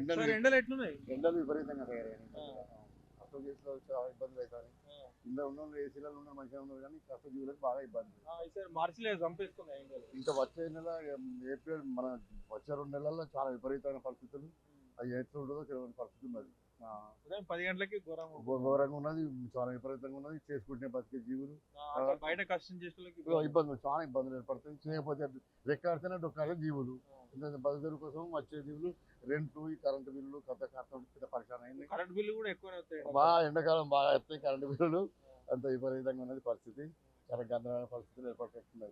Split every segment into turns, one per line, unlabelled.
ఎండలు ఎట్లున్నాయి?
ఎండలు విపరీతంగా తయారయ్యాయి. అసలు చేతిలో చాలా ఇబ్బందులు అవుతాయి. కింద ఉన్న ఏసీలలో ఉన్న మంచిగా ఉన్నారు కానీ కష్టజీవులకు బాగా ఇబ్బంది.
ఈసారి మార్చిలో చంపేస్తున్నాయి ఎండలు.
ఇంకా వచ్చే నెల ఏప్రిల్ మన వచ్చే 2 నెలల్లో చాలా విపరీతమైన పరిస్థితులు. అది ఎట్లా ఉంటుందో తెలియని పరిస్థితి ఉన్నది.
ఉదయం 10 గంటలకి
ఘోరంగా ఉన్నది, చాలా విపరీతంగా ఉన్నది. చేసుకుంటే బతికే జీవులు
బయట కష్టం చేసే
ఇబ్బందులు, చాలా ఇబ్బందులు ఏర్పడుతుంది. చేయకపోతే రెక్కాడితేనే డొక్కాడే జీవులు. బతుకు కోసం వచ్చే జీవులు రెంట్లు, ఈ కరెంటు బిల్లులు కొత్త పెద్ద పరిశాన్ అయింది.
కరెంట్ బిల్లు కూడా ఎక్కువ
బాగా ఎండాకాలం బాగా వస్తాయి కరెంటు బిల్లులు. అంత విపరీతంగా ఉన్నది పరిస్థితి. చాలా గందరగోళ పరిస్థితులు ఏర్పడుతున్నాయి.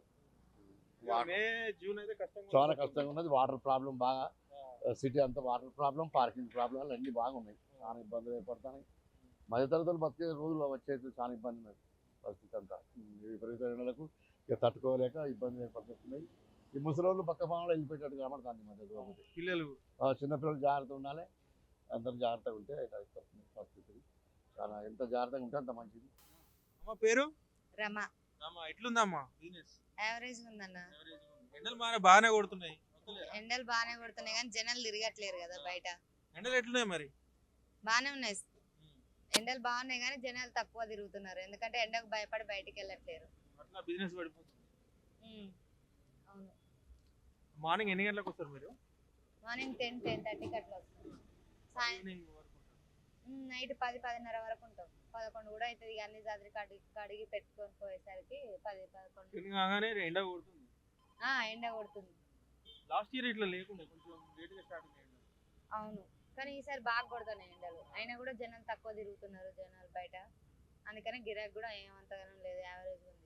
చాలా కష్టంగా ఉన్నది. వాటర్ ప్రాబ్లం బాగా, సిటీ అంతా వాటర్ ప్రాబ్లం, పార్కింగ్ ప్రాబ్లం అన్నీ బాగున్నాయి. చాలా ఇబ్బందులు ఏర్పడుతున్నాయి. మధ్యతరగతులు బతికే రోజులు వచ్చేది చాలా ఇబ్బంది ఉన్నది పరిస్థితి అంతా. విపరీత ఎండలకు ఇక తట్టుకోలేక ఇబ్బందులు ఏర్పడుతున్నాయి. ఈ ముసలోళ్ళు పక్క పాములు వెళ్ళిపోయేటట్టు కనబడుతుంది మధ్య
పిల్లలు.
చిన్నపిల్లలు జాగ్రత్తగా ఉండాలి. అందరూ జాగ్రత్తగా ఉంటే పరిస్థితులు చాలా ఎంత జాగ్రత్తగా ఉంటే అంత మంచిది.
అమ్మ పేరు?
రమా.
ఎట్లుందమ్మా బిజినెస్?
యావరేజ్ ఉందన్న.
ఎండలు బాగానే కొడుతున్నాయి.
ఎండలు బాగానే కొడుతున్నాయి కానీ జనాలు తిరగట్లేరు కదా బయట.
ఎండలు ఎట్లున్నాయి మరి?
బాగానే ఉన్నాయి. ఎండలు బాగున్నాయి కానీ జనాలు తక్కువ తిరుగుతున్నారు. ఎందుకంటే ఎండకు భయపడి బయటికి వెళ్ళట్లేరు.
అట్లా బిజినెస్ పడిపోతుంది.
అవును.
మార్నింగ్ ఎన్ని గంటలకు వస్తారు మీరు?
మార్నింగ్ 10-10:30కి అట్లా వస్తాం. నైట్ 10-10:30 వరకు ఉంటాం. 11 కూడా అవుతుంది. అన్ని చదిరి కడిగి పెట్టుకొని పోయేసరికి 10-11
ఎండ కొడుతుంది.
ఎండ కొడుతుంది.
లాస్ట్ ఇయర్ ఇట్లా లేకుండా కొంచెం లేట్గా స్టార్ట్ అయ్యింది.
అవును, కానీ ఈసారి బాగా కొడుతున్నాయి ఎండలు. అయినా కూడా జనాలు తక్కువ తిరుగుతున్నారు జనాలు బయట. అందుకని గిరాకీ కూడా ఏమంతగానం లేదు, యావరేజ్ ఉంది.